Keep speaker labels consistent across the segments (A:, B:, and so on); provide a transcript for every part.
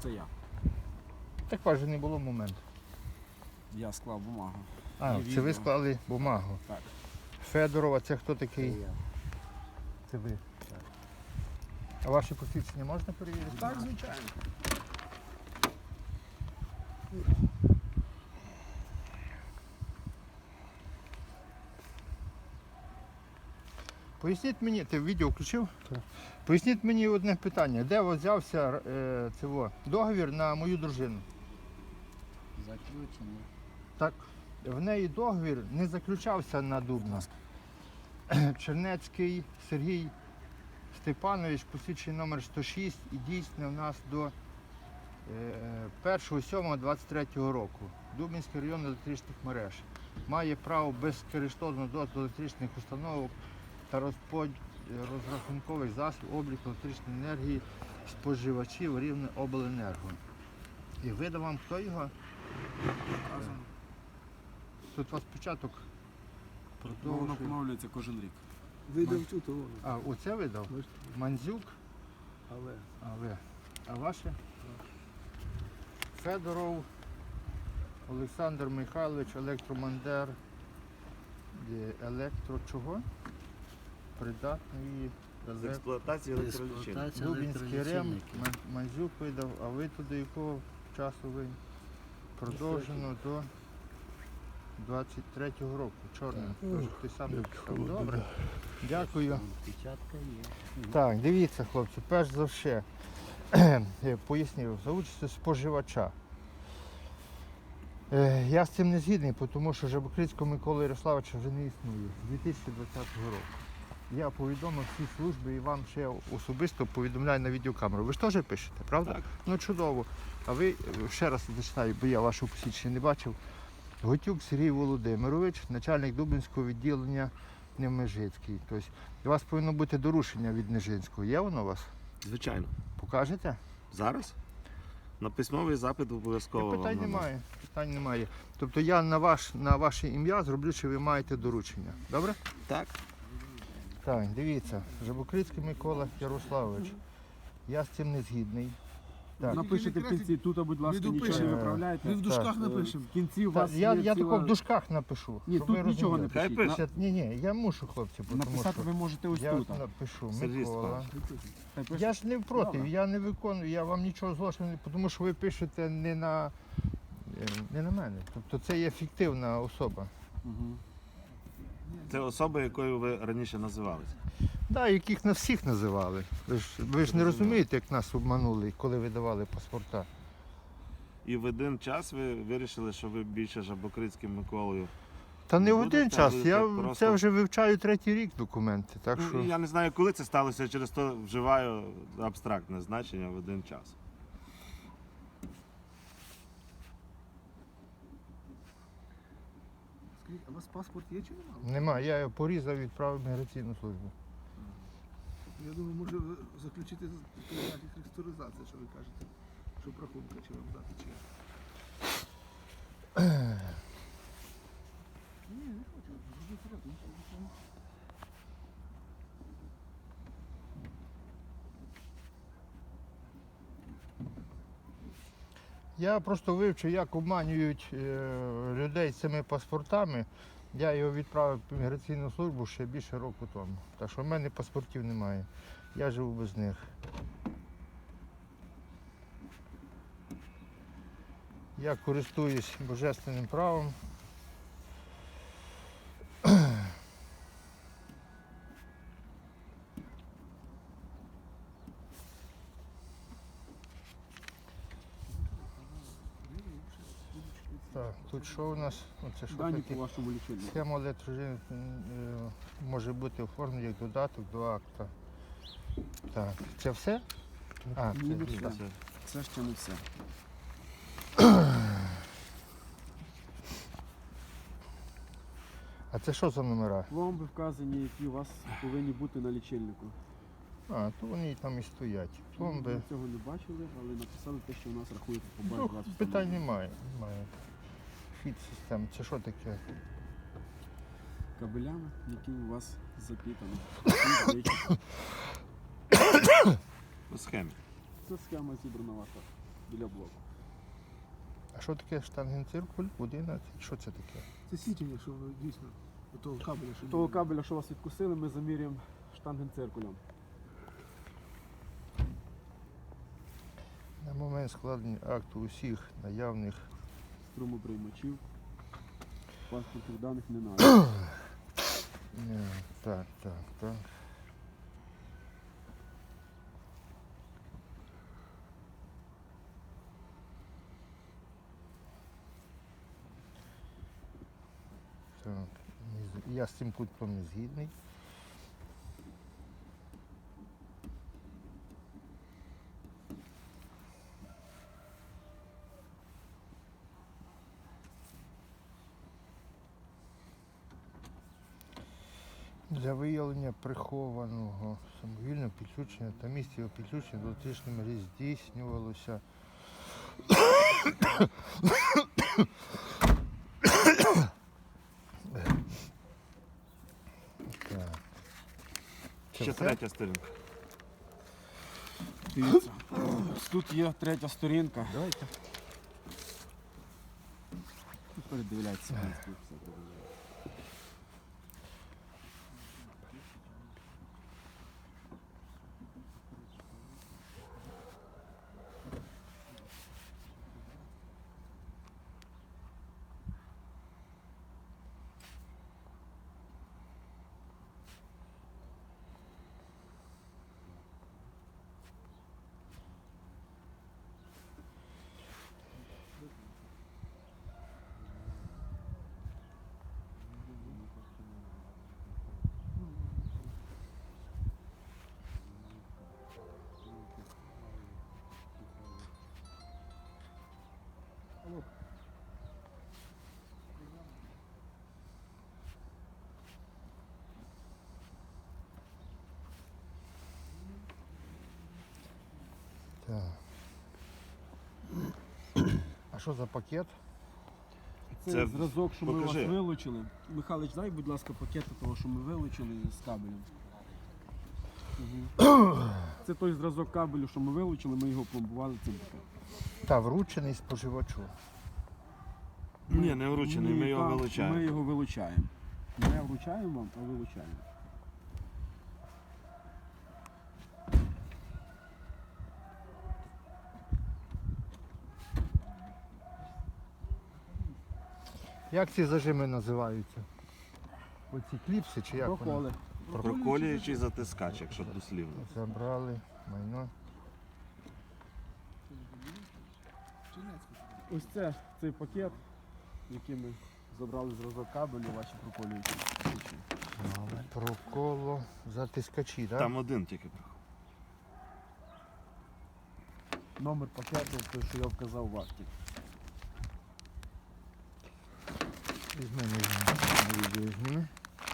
A: Це я.
B: Так каже, не було моменту.
A: Я склав бумагу.
B: А,
A: І
B: це
A: відео.
B: ви склали бумагу.
A: Так.
B: Федорова, це хто такий?
C: Це я.
B: Це ви. А ваші посвідчення можна перевірити?
A: Так, звичайно.
B: Поясніть мені, ти відео включив? Так. Поясніть мені одне питання. Де у вас взявся договір на мою дружину?
C: Заключення.
B: Так, в неї договір не заключався на Дубна. Чернецький Сергій Степанович, посвідчений номер 106 і дійсне у нас до 1.7.23 року. Дубинський район електричних мереж. Має право безкоштовно до електричних установок та розрахункових засобів обліку електричної енергії споживачів рівне обленерго. І видав вам хто його? Тут у вас початок
A: Воно
B: продовжує.
A: поновлюється кожен рік.
D: Видав цю того.
B: А, оце видав? Мандзюк,
D: Але.
B: а ваше? Федоров Олександр Михайлович, електромандер, електро чого? Придатний
E: З експлуатації електролічин.
C: Експлуатація
B: Дубінський рем,
C: електролічильників.
B: Мандзюк видав, а ви туди якого часу ви? Продовжено до 23-го року, чорним. Тож ти сам написав. Добре. Дякую.
C: Печатка є.
B: Так, дивіться, хлопці, перш за все, пояснив, за участю споживача. Я з цим не згідний, тому що Жабокрицького Миколи Ярославовича вже не існує з 2020 року. Я повідомив всі служби і вам ще особисто повідомляю на відеокамеру. Ви ж теж пишете, правда?
E: Так.
B: Ну чудово. А ви, ще раз зачитаю, бо я вашого посвідчення не бачив. Готюк Сергій Володимирович, начальник Дубинського відділення Невмежицький. Тобто у вас повинно бути доручення від Нежинського. Є воно у вас?
E: Звичайно.
B: Покажете?
E: Зараз? На письмовий запит обов'язково.
B: Питань
E: вам надам.
B: немає. Питань немає. Тобто я на ваше ім'я зроблю, що ви маєте доручення. Добре?
E: Так.
B: Так, дивіться, Жабокрицький Микола Ярославович. Я з цим не згідний. Так.
A: Напишіть в кінці, тут, будь ласка,
D: Ми
A: нічого не
D: допишемо.
A: виправляйте.
D: Ми в дужках
B: Так.
D: напишемо.
A: В кінці у
B: Так,
A: вас
B: я
A: є
B: тако
A: ціла...
B: в дужках напишу.
A: Ні,
B: щоб ви
A: тут нічого не
B: розуміли.
E: Хай
A: пишіть.
E: пише.
B: Ні, я мушу, хлопці, тому
A: Написати
B: що
A: ви можете ось
B: я
A: тут.
B: напишу
E: Сергій
B: Микола.
E: Степанович.
A: Хай пише.
B: Я ж не проти,
A: Добре.
B: я не виконую, я вам нічого злочину не, тому що ви пишете не на мене. Тобто це є фіктивна особа.
A: Мгм.
E: Це особа, якою ви раніше називалися.
B: Да, яких нас всіх називали. Ви ж не розумієте, як нас обманули, коли видавали паспорта.
E: І в один час ви вирішили, що ви більше Жабокрицьким Миколою.
B: Та не в
E: Будете,
B: один час,
E: будете
B: я
E: просто-
B: це вже вивчаю 3-й рік документи. Так
E: Ну,
B: що...
E: я не знаю, коли це сталося, через то вживаю абстрактне значення в один час.
D: Скажіть, а у вас паспорт є чи немає?
B: Нема, я його порізав і відправив в міграційну службу.
D: Я думаю, може ви заключити графік реструктуризації, що ви кажете. Щоб рахунка чи вам дати чи. Ні, не хочу. Зробіть рахунок.
B: Я просто вивчив, як обманюють людей з цими паспортами. Я його відправив в міграційну службу ще більше року тому. Так що в мене паспортів немає. Я живу без них. Я користуюсь божественним правом. Так, тут що у нас? Оце що
A: Дані
B: таке?
A: по вашому лічильнику.
B: Схема електрожини може бути оформлена як додаток до акта. Так, це все? А,
A: Ні, не
B: це,
A: все. Це ще не все.
B: а це що за номера?
A: Пломби вказані, які у вас повинні бути на лічильнику.
B: А, то вони і там і стоять. Пломби.
A: Ми цього не бачили, але написали те, що у нас рахується по базі
B: Ну,
A: 20
B: питань немає. Фіт систем. Це що таке?
A: кабелями, які у вас запітані.
E: По схемі.
A: Це схема зібрана ваша. біля блоку.
B: А що таке штангенциркуль? 11? Що це таке?
D: Це січення, що воно дійсно до того кабеля, що
A: Того кабеля, що вас відкусили, ми замірюємо штангенциркулем.
B: На момент складення акту усіх наявних
A: Струмоприймачів. Паспортних даних не надо.
B: Так. Так, я з цим пунктом не згідний. Для виявлення прихованого самовільного підключення та місця його підключення до електричної мережі здійснювалося так. Це
E: Ще
B: все?
E: третя сторінка.
A: Дивіться. Тут є третя сторінка.
B: Давайте.
A: Тут передивляється. Тут все передивляється.
B: Так. А що за пакет?
A: Це
E: Це
A: зразок, що ми вас
E: покажи.
A: вилучили. Михайлович, дай, будь ласка, пакет того, що ми вилучили з кабелем. Це той зразок кабелю, що ми вилучили, ми його пломбували цим пакетом.
B: Та вручений споживачу.
E: Ні, не вручений, ми його
A: Ми
E: вилучаємо.
A: його вилучаємо. Не вручаємо вам, а вилучаємо.
B: Як ці зажими називаються? Оці кліпси чи як вони?
A: Проколи.
E: Проколюючий затискач, якщо дослівно.
B: Забрали майно.
A: Ось це цей пакет, який ми забрали зразок кабелю, ваші проколюючі.
B: Проколо затискачі, так?
E: Там один тільки приходить.
A: Номер пакету, той, що я вказав в акті.
B: Візьми, візьми.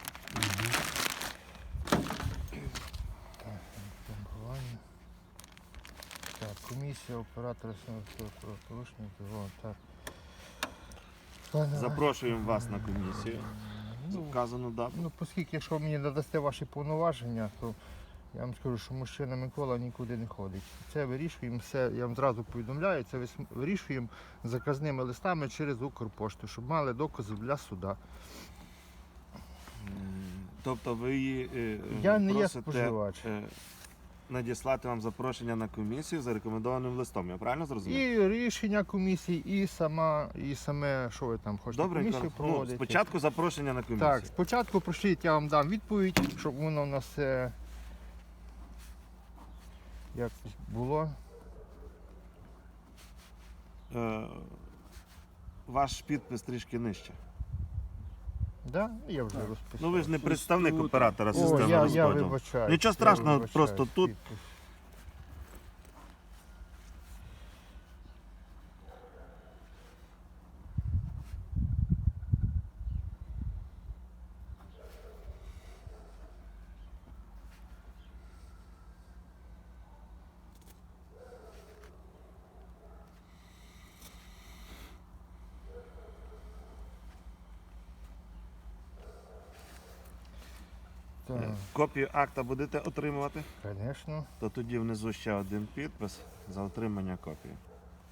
B: Так, пломбування. Так, комісія, оператора порушення, так.
E: Запрошуємо вас на комісію. За вказану дату.
B: Ну, оскільки, якщо ви мені надасте ваші повноваження, то я вам скажу, що мужчина Микола нікуди не ходить. Це вирішуємо все, я вам зразу повідомляю, це вирішуємо заказними листами через Укрпошту, щоб мали докази для суда.
E: Тобто ви її
B: Я не є
E: просите
B: споживач.
E: надіслати вам запрошення на комісію за рекомендованим листом. Я правильно зрозумів?
B: І рішення комісії, і саме, що ви там хочете,
E: Добре,
B: комісію
E: ну,
B: проводити.
E: спочатку запрошення на комісію.
B: Так, спочатку прошліть, я вам дам відповідь, щоб воно у нас все якось було.
E: Ваш підпис трішки нижче.
B: Да? Я вже розписав.
E: Ну ви ж не представник
A: тут.
E: оператора
B: О,
E: системи
B: я
E: розподілу.
B: вибачаю.
E: Нічого страшного, просто тут
B: Так,
E: копію акта будете отримувати,
B: звісно.
E: то тоді внизу ще один підпис за отримання копії.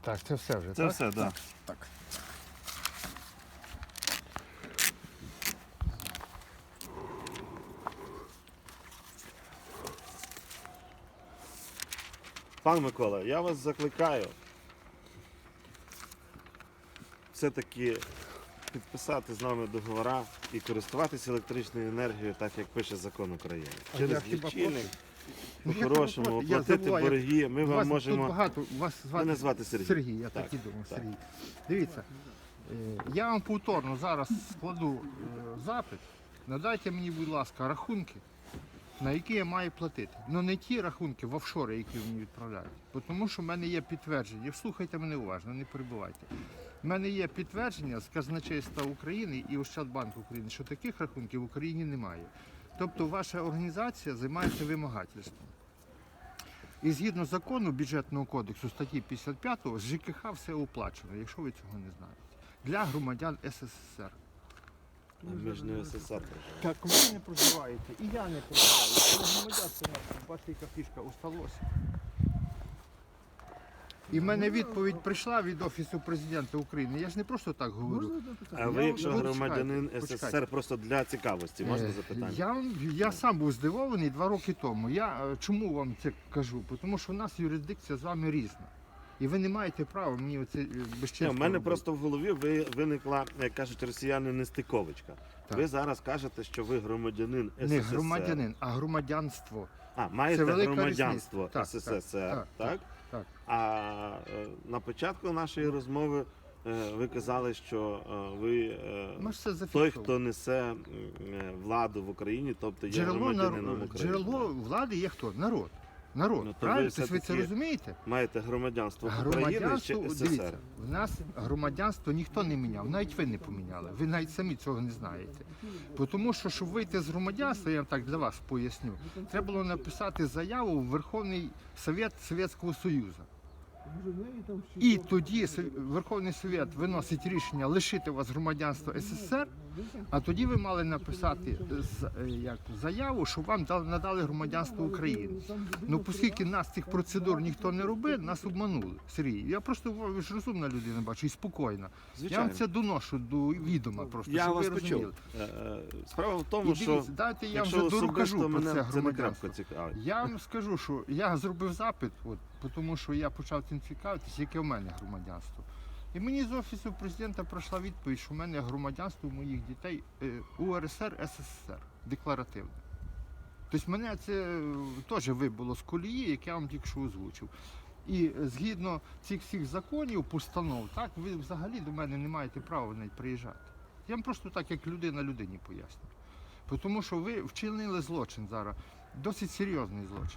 B: Так, це все вже,
E: Це
B: так?
E: все, так.
B: Так.
E: Пан Микола, я вас закликаю все-таки підписати з нами договори і користуватися електричною енергією, так як пише закон України.
B: А
E: Через
B: я хіба
E: лічильник,
B: Ну, я
E: по-хорошому,
B: проти, я
E: оплатити
B: забуваю,
E: борги. Ми
B: У
E: вам
B: вас
E: можемо.
B: тут багато, вас звати,
E: Мене звати Сергій.
B: я так і думав,
E: так.
B: Сергій. Дивіться, я вам повторно зараз складу запит. Надайте мені, будь ласка, рахунки, на які я маю платити. Ну не ті рахунки в офшори, які ви мені відправляєте. Тому що в мене є підтвердження. Слухайте мене уважно, не перебувайте. У мене є підтвердження з казначейства України і Ощадбанку України, що таких рахунків в Україні немає. Тобто ваша організація займається вимагательством. І згідно закону бюджетного кодексу статті 55 з ЖКХ все оплачено, якщо ви цього не знаєте. Для громадян СССР.
E: Ми ж не СССР.
B: Так, ви не проживаєте, і я не проживаю. Але громадянство наше, бачите, яка фішка усталося. І в мене відповідь прийшла від Офісу Президента України. Я ж не просто так говорю.
D: Можна одне питання?
E: А ви,
B: Я
E: якщо
B: вам-
E: громадянин
B: почекайте.
E: СССР, просто для цікавості, можна запитання?
B: Я сам був здивований 2 роки тому. Чому вам це кажу? Тому що у нас юрисдикція з вами різна. І ви не маєте права мені оце
E: Ні,
B: безчинство
E: в мене
B: робити.
E: просто в голові виникла, як кажуть росіяни, нестиковочка.
B: Так.
E: Ви зараз кажете, що ви громадянин СССР.
B: Не громадянин, а громадянство.
E: А, маєте
B: велика
E: громадянство
B: різниця. Так,
E: СССР,
B: так?
E: так?
B: так.
E: А на початку нашої розмови ви казали, що ви
B: Ми ж це
E: той,
B: зафіксували.
E: хто несе владу в Україні, тобто є громадянином України.
B: Джерело влади є хто? Народ. Народ.
E: Ну, то
B: Правильно?
E: ви
B: Тобто ви це
E: все-таки
B: розумієте?
E: Маєте громадянство України чи
B: Громадянство,
E: СССР?
B: дивіться, в нас громадянство ніхто не міняв, навіть ви не поміняли. Ви навіть самі цього не знаєте. Тому що, щоб вийти з громадянства, я так для вас поясню, треба було написати заяву в Верховний Совет Совєтського Союзу.
D: Може, в неї там ще
B: І
D: щось?
B: тоді Верховний Совет виносить рішення лишити вас громадянства СССР, а тоді ви мали написати заяву, що вам надали громадянство України. Ну, оскільки нас цих процедур ніхто не робив, нас обманули. Сергій, я просто, ви ж розумна людина, бачу, і спокійна. Я вам це доношу до відома просто,
E: Я
B: щоб
E: вас
B: ви
E: почув.
B: розуміли.
E: Справа в
B: І
E: тому, що
B: дивіться, дайте я вам
E: якщо
B: вже докажу
E: особисто
B: про
E: мене
B: це
E: це не
B: громадянство.
E: крапка цікавить.
B: Я вам скажу, що я зробив запит, тому що я почав цим цікавитись, яке в мене громадянство. І мені з Офісу Президента прийшла відповідь, що в мене громадянство моїх дітей УРСР, СССР, декларативне. Тобто мене це теж вибило з колії, як я вам тільки що озвучив. І згідно цих всіх законів, постанов, так, ви взагалі до мене не маєте права навіть приїжджати. Я вам просто так, як людина людині поясню. Тому що ви вчинили злочин зараз, досить серйозний злочин.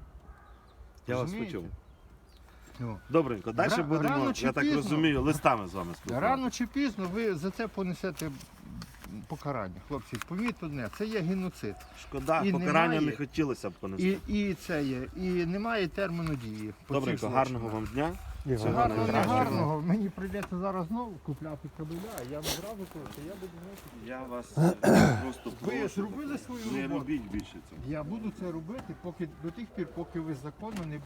E: Я вас
B: Розумієте?
E: почув.
B: О.
E: Добренько, далі
B: Рано
E: будемо,
B: чи
E: я так
B: пізно.
E: розумію, листами з вами спілкуватися.
B: Рано чи пізно ви за це понесете покарання, хлопці. Поміть одне, це є геноцид.
E: Шкода,
B: І
E: покарання
B: немає-
E: не хотілося б понести.
B: І це є. І немає терміну дії. по цих
E: Добренько,
B: злочинах.
E: гарного вам дня. Всього
B: Гарного, не
E: найкращого.
B: гарного. Мені прийдеться зараз знову купляти кабеля. Я вам зразу кажу, що я буду носити.
E: Я вас просто
B: Ви
E: прошу,
B: зробили свою
E: не
B: роботу.
E: робіть більше цього.
B: Я буду це робити до тих пір, поки ви законно не